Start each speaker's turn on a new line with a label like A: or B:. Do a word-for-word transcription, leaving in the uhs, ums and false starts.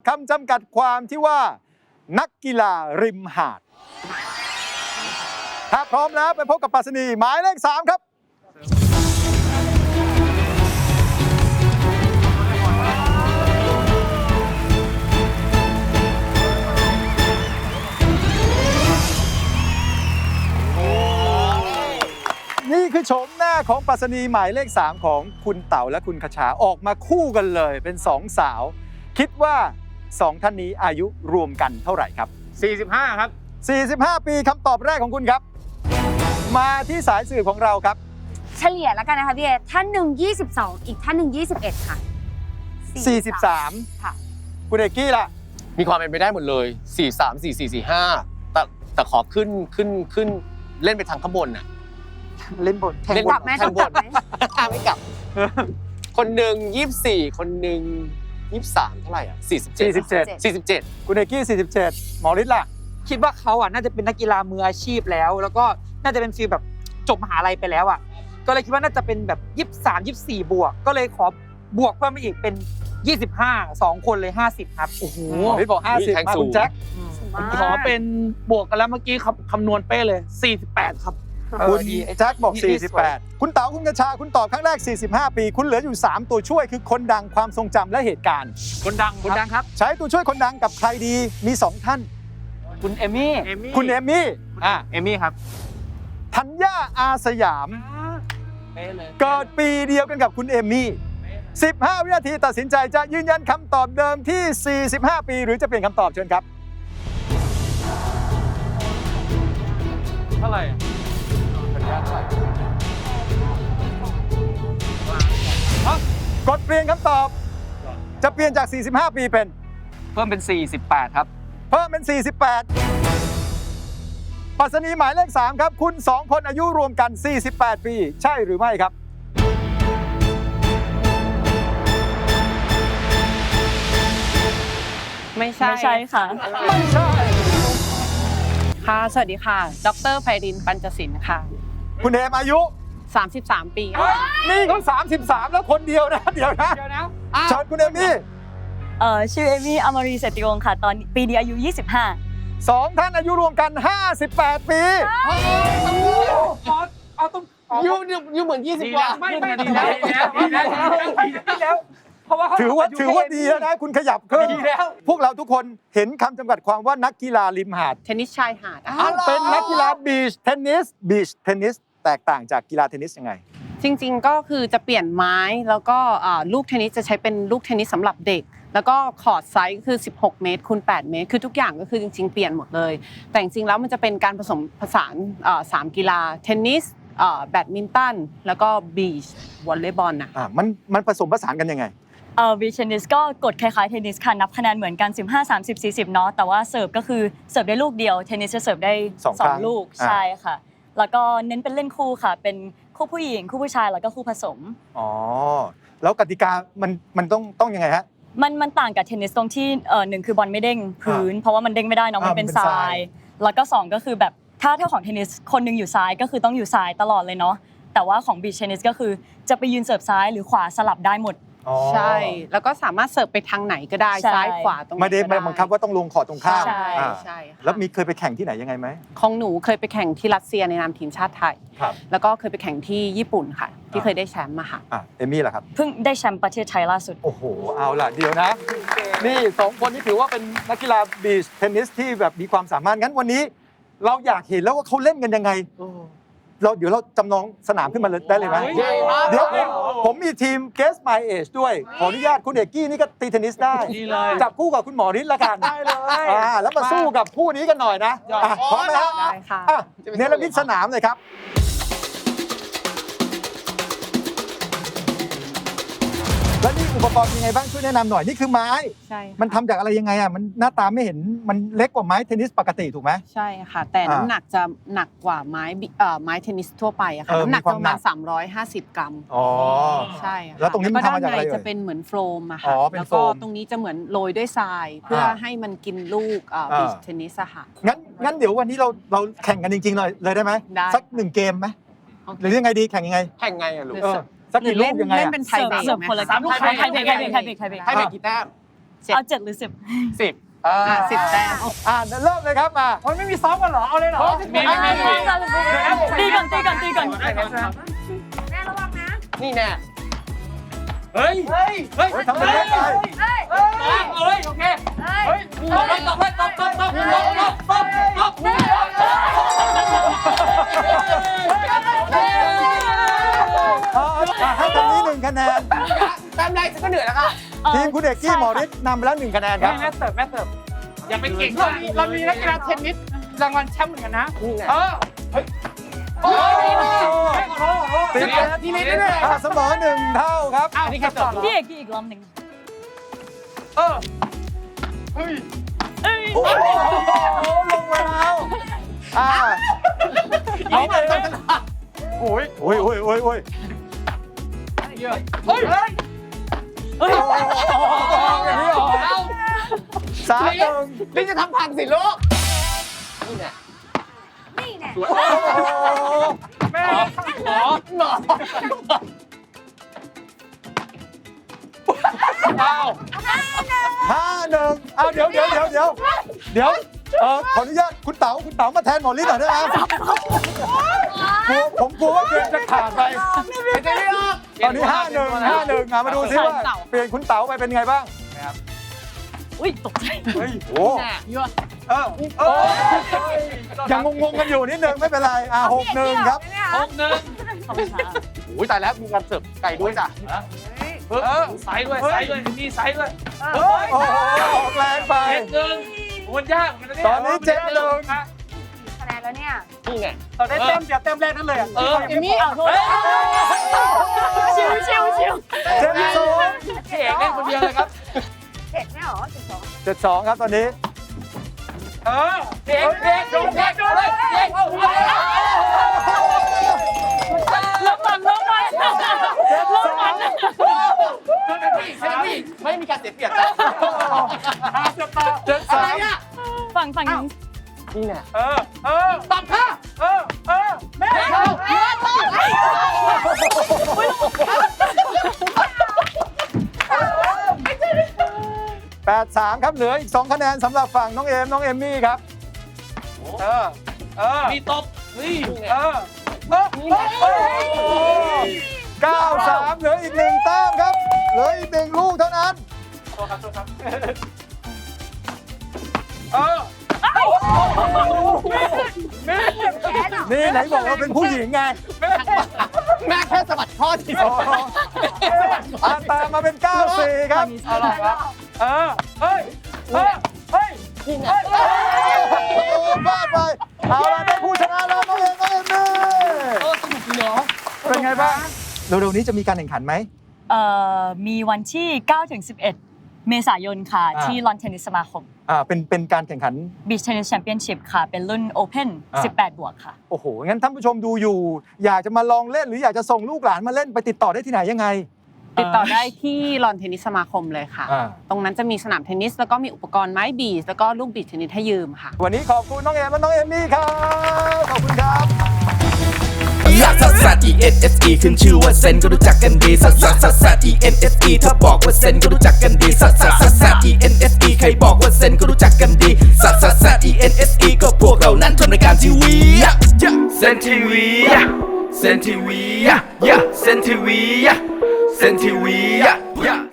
A: คำจำกัดความที่ว่านักกีฬาริมหาดถ้าพร้อมแล้วไปพบกับปรัชนีหมายเลขสามครับนี่คือโฉมหน้าของปรัชนีหมายเลขสามของคุณเต๋าและคุณคชาออกมาคู่กันเลยเป็นสองสาวคิดว่าสองท่านนี้อายุรวมกันเท่าไหร่ครับ
B: สี่สิบห้าครับ
A: สี่สิบห้าปีคำตอบแรกของคุณครับมาที่สายสื่อของเราครับ
C: เฉลี่ยแล้วกันนะคะพี่เอท่านหนึ่งยี่สิบสองอีกท่านหนึ่งยี่สิบเอ็ดค่ะ
A: สี่สิบสาม
C: ค่ะ
A: คุณเอกกี้ล่ะ
B: มีความเป็นไปได้หมดเลยสี่สาม สี่สี่ สี่ห้าแต่แต่ขอขึ้นขึ้นขึ้นเล่นไปทางข้างบนน่ะ
A: เล่นบน
C: แทงบนแทงบน
B: ไม่กลับคนหนึ่งยี่สิบสี่คนหนึ่งยี่สิบสามเท่าไหร่อ่ะสี่สิบเจ็ด
A: สี่สิบเจ็ด
B: สี่สิบเจ็ด
A: คุณเอกกี้สี่สิบเจ็ดหมอฤทธิ์ล่ะ
D: คิดว่าเขาอ่ะน่าจะเป็นนักกีฬามืออาชีพแล้วแล้วก็น่าจะเป็นฟีลแบบจบมหาลัยไปแล้วอ่ะก็เลยคิดว่าน่าจะเป็นแบบยี่สิบสาม ยี่สิบสี่บวกก็เลยขอบวกเพิ่มไปอีกเป็นยี่สิบห้า สองคนเลยห้าสิบครับโอ้โห
A: พี่บอกห้าสิบมาคุณแจ็ค
D: ผมขอเป็นบวกกันแล้วเมื่อกี้คำนวณเป๊ะเลยสี่สิบแปดครับ
A: คุณแจ็คบอกสี่สิบแปดคุณเต๋าคุณกระชาคุณตอบครั้งแรกสี่สิบห้าปีคุณเหลืออยู่สามตัวช่วยคือคนดังความทรงจำและเหตุการณ์
D: คนดังคนดังครับ
A: ใช้ตัวช่วยคนดังกับใครดีมีสองท่าน
D: คุณเอมี่
A: คุณเอมี่
D: อ่ะเอมี่ครับ
A: ธัญญาอาสยามเกิดปีเดียวกันกับคุณเอมี่สิบห้าวินาทีตัดสินใจจะยืนยันคำตอบเดิมที่สี่สิบห้าปีหรือจะเปลี่ยนคำตอบเชิญครับ
D: เท่าไหร่ธัญญาเท่าไหร่
A: กดเปลี่ยนคำตอบจะเปลี่ยนจากสี่สิบห้าปีเป็น
D: เพิ่มเป็นสี่สิบแปดครับ
A: เพิ่มเป็นสี่สิบแปดปรัชนีหมายเลขสามครับคุณสองคนอายุรวมกันสี่สิบแปดปีใช่หรือไม่ครับ
E: ไม่ใช่
F: ไม่ใช่ค่ะ
A: ไม่ใช่
E: ค่ะสวัสดีค่ะดร.ไพรินทร์ปัญจศิลป์ค่ะ
A: คุณเอมอายุ
E: สามสิบสามปี
A: นี่เขาสามสิบสามแล้วคนเดียวนะเดี๋ยวนะเชิญคุณเอมี่
F: เอ่อชื่อเอมี่อมรีเศรษฐวงศ์ค่ะตอนปีนี้อายุยี่สิบห้า
A: สองท่านอายุรวมกันห้าสิบแปดปี
D: เอาต้อง
B: ยูยูเหมือนยี่สิบกว่า
D: ไม่ไม่ดีแล้วดีแล้วดีแล้วเพราะว่า
A: ถือว่าถือว่าดีแล้วนะคุณขยับขึ้น
D: ดีแล้ว
A: พวกเราทุกคนเห็นคำจำกัดความว่านักกีฬาริมหาด
E: เทนนิสชายหาด
A: เป็นนักกีฬาบีชเทนนิสบีชเทนนิสแตกต่างจากกีฬาเทนนิสยังไง
E: จริงๆก็คือจะเปลี่ยนไม้แล้วก็ลูกเทนนิสจะใช้เป็นลูกเทนนิสสำหรับเด็กแล้วก็คอร์ตไซส์คือสิบหกเมตรคูณแปดเมตรคือทุกอย่างก็คือจริงๆเปลี่ยนหมดเลยแต่จริงๆแล้วมันจะเป็นการผสมผสานสามกีฬาเทนนิสแบดมินตันแล้วก็บีชวอลเลย์บอลน่ะ
A: มันมันผสมผสานกันยังไง
F: เอ่อบีชเทนนิสก็กฎคล้ายๆเทนนิสค่ะนับคะแนนเหมือนกันสิบห้า สามสิบ สี่สิบเนาะแต่ว่าเสิร์ฟก็คือเสิร์ฟได้ลูกเดียวเทนนิสจะเสิร์ฟได้สองลูกใช่ค่ะแล้วก็เน้นเป็นเล่นคู่ค่ะเป็นคู่ผู้หญิงคู่ผู้ชายแล้วก็คู่ผสม
A: อ๋อแล้วกติกามันมันต้องต้องยังไงฮะ
F: มันมันต่างกับเทนนิสตรงที่เอ่อหนึ่งคือบอลไม่เด้งพื้นเพราะว่ามันเด้งไม่ได้เนาะมันเป็นทรายแล้วก็สองก็คือแบบถ้าเท่าของเทนนิสคนนึงอยู่ซ้ายก็คือต้องอยู่ซ้ายตลอดเลยเนาะแต่ว่าของบีชเทนนิสก็คือจะไปยืนเสิร์ฟซ้ายหรือขวาสลับได้หมด
E: ใช่แล้วก็สามารถเสิร์ฟไปทางไหนก็ได้ซ้ายขวาตรง
A: ไม่ได้บังคับว่าต้องลงขอตรงข้าม
E: ใช่ใช่
A: แล้วมีเคยไปแข่งที่ไหนยังไงไหม
E: ของหนูเคยไปแข่งที่รัสเซียในนามทีมชาติไทยแล้วก็เคยไปแข่งที่ญี่ปุ่นค่ะที่เคยได้แชมป์มาค่ะ
A: เอมี่ล่ะครับ
F: เพิ่งได้แชมป์ประเทศไทยล่าสุด
A: โอ้โหเอาล่ะเดี๋ยวนะนี่สองคนนี้ถือว่าเป็นนักกีฬาบีชเทนนิสที่แบบมีความสามารถงั้นวันนี้เราอยากเห็นแล้วว่าเขาเล่นกันยังไงเราเดี๋ยวเราจำลองสนามขึ้นมาได้เลยไหมเดี๋ยวผมผมมีทีม Guess My Age ด้วยขออนุญาตคุณเอกกี้นี่ก็ตีเทนนิสได้จับคู่กับคุณหมอฤทธิ์ละกัน
D: ได้เลย
A: แล้วมาสู้กับคู่นี้กันหน่อยนะพร้อมไหมฮะ
E: ได้ค่ะ
A: เนรมิตสนามเลยครับแล้วนี่อุปกรณ์ยังไงบ้างช่วยแนะนำหน่อยนี่คือไม้
E: ใช่
A: มันทำจากอะไรยังไงอ่ะมันหน้าตาไม่เห็นมันเล็กกว่าไม้เทนนิสปกติถูกไหม
E: ใช่ค่ะแต่น้ำหนักจะหนักกว่าไม้ไม้เทนนิสทั่วไปอะค่ะน้ำหนักประมาณสามร้อยห้าสิบกรัม
A: อ๋อ
E: ใช่
A: แล้วตรงนี้มันทำมาจากอะไร
E: จะเป็นเหมือนโฟมอะค่ะแล้วก็ตรงนี้จะเหมือนโรยด้วยทรายเพื่อให้มันกินลูกบีชเทนนิสอะค่ะ
A: งั้นงั้นเดี๋ยววันนี้เราเราแข่งกันจริงๆเลยเลยได้ไหมสักหนึ่งเกมไหมหรือยังไงดีแข่งยังไง
B: แข่งไงอะลูก
A: สักกี่ลูกยังไง
E: เล่นเป็นไทยเบรก
F: เสิร์ฟคนละสามลูกไทยเบรกไทยเบรกไทยเบรกไทยเบรก
B: ไทยเบรกกี่แต้ม
E: เจ็ด
F: เอาเจ็ดหรือสิบ
B: สิบ
A: อ่า
E: อ่ะสิบแต้ม
A: อ่าเริ่มเลยครับมา
D: มันไม่มีซ้อมกันเหรอ เอาเลยเหรอ
F: มีมีมีตีก่อนตีก่อนตีก่อน
C: แม่ระวังนะ
B: นี่แน่
A: เฮ้ยเฮ้ยเฮ้ยทำไมเล่นไป
C: เฮ้ย
A: เฮ้ยโอเค
C: เฮ้ย
A: ตบตบตบตบตบตบตบตบตบให้ตรงนี้หนึ่งคะแนน
B: แต้มแรกฉันก็เหนื่อยแล้วค่ะ
A: ทีมคุณเอกกี้หมอฤทธิ์นำไปแล้วหนึ่งคะแนนครับ
D: แม่เสิร์ฟแม่เสิร์ฟอย่าไปเก่งเรามีเรามีนักกีฬาเทนนิสรางวัลแชมป์เหมือนกันนะ
B: นี่ไง
D: เออ
A: โอ้โห
D: ที
A: สิบ
D: นี้ทีนี้เนี่ย
A: อ่ะเสมอหนึ่งเท่าครับ
D: อ้าวนี่แค่ต่อ
F: พี่เอกกี้อีกรอบหนึ่ง
D: เออเฮ้ย
F: เอ้ย
A: โอ้โหลงมาแล้วอ่า
D: เอาไปเลย
A: โอ้ยโอ้ยโอ้ยโอ้ยโอ้ย
D: เฮ้ยเฮ้ย
A: โอ้โหอย่างนี้เหรอสามหนึ่ง
B: นี่จะทำพังสิลูกนี่แน่
C: นี่แน่
A: โอ้โห
D: แม่
B: หมอหมอ
A: อ้าวห้าหนึ่งอ้าวเดี๋ยวเดี๋ยวเดี๋ยวเดี๋ยวเดี๋ยวเออขออนุญาตคุณเต๋าคุณเต๋ามาแทนหมอฤทธิ์หน่อยได้ไหมกลัวผมกลัวว่าเกมจะขาดไป
B: ไม่ได้หรอก
A: ตอนนี้ห้าหนึ่งห้าหนึ่งอ่ะมาดูซิว่าเปลี่ยนคุณเต๋าไปเป็นไงบ้าง
F: อุ้ยตกใจ
A: เฮ้ยโอ้
B: แน่
A: เออเออยังงงๆกันอยู่นิดนึงไม่เป็นไรอ่ะหกหนึ่งครับ
D: หกหนึ่ง
F: ขอบคุณค่ะ
B: โอ้ยตายแล้วมีการเสิร์ฟไก่ด้วยจ้ะ
D: เออไซส์ด้วยไซส์ด้วยมีไซส์ด้วย
A: โอ้โหออกแรงไป
D: เจ็ดหนึ่งมันยากเหมือนกัน
A: ตอนนี้เจ็ดหนึ่ง
C: คะแนนแล้วเนี่ย
B: นี่ไง
D: ตอนได้เต็มเดียวเต็มแรกนั่นเลยอ่ะ
F: เออเอมี่เอาโทษชิวชิวชิว
A: เจ็ดสอง
D: เอกเล่นคนเดียวเลยครับ
C: เจ็ดไม่หรอเจ็ดสอง
A: เจ็ดสองครับตอนนี้
D: เออเอกเอกโดนเอกโดนเลยเอกเอาหัว
F: ลบมันลบมัน
A: เจ็ดสอง
B: เซนตี้ไม่มีการเสียเปรียบจ้ะ
A: เจ็ด
B: อะ
A: สา
B: ไร
A: ม
B: อ่ะ
F: ฝั่งฝั่งนี้
B: นี่แน่
D: เออเออ
B: ตอบค่ะ
D: เออเออแม่
B: เอา
A: แปดสามครับเหลืออีกสองคะแนนสำหรับฝั่งน้องเอมน้องเอมมี่ครับ
D: เออเออมีตบนี่
B: นี่ไง
D: เออเออเออ
A: เก้าสามเหลืออีกหนึ่งแต้มครับ เหลืออีกหนึ่งลูกเท่านั้น
D: โทษครับโทษครับเออ
A: นี่ไหนบอกว่าเป็นผู้หญิงไง
B: แม่แค่สะบัดข้อที่ส
A: อ๋
B: อ
A: อง อ่ะตามมาเป็นเก้าสี่ครับ
D: เอาล่ะครับเออเฮ้ยเฮ้ยเฮ้ย
B: นี่ไง
A: โอ้โหพลาดไปเอาล่ะได้ผู้ชนะแล้วน้องเอมน้องเอมมี่
B: เออสนุกดีเนาะ
A: เป็นไงบ้างเร็วๆนี้จะมีการแข่งขันไหม
F: เอ่อมีวันที่เก้าถึงสิบเอ็ดเมษายนค่ะ
A: อ่า
F: ที่ลอนเทนนิสสมาคม
A: อ่าเป็นเป็นการแข่งขัน
F: Beach Tennis Championship ค่ะ เป็นรุ่น Open
A: อ่า
F: สิบแปด บวกค่ะ
A: โอ้โห งั้นท่านผู้ชมดูอยู่ อยากจะมาลองเล่นหรืออยากจะส่งลูกหลานมาเล่นไปติดต่อได้ที่ไหนยังไง
E: ติดต่อได้ที่ลอนเทนนิสสมาคมเลยค่ะ
A: อ่า
E: ตรงนั้นจะมีสนามเทนนิส แล้วก็มีอุปกรณ์ไม้บีชแล้วก็ลูกบีชเทนนิสให้ยืมค่ะ
A: วันนี้ขอบคุณน้องเอมและน้องเอมมี่ครับ ขอบคุณครับ
G: ลักซัสซัส E N S E ขึ้นชื่อว่าเซนก็รู้จักกันดีซัสซัสซัสซัส E N S E ถ้าบอกว่าเซนก็รู้จักกันดีซัสซัสซัสซัส E N S E ใครบอกว่าเซนก็รู้จักกันดีซัสซัสซัส E N S E ก็พวกเรานั้นทำรายการทีวีเซนทีวีเซนทีวีเซนทีวีเซนทีวี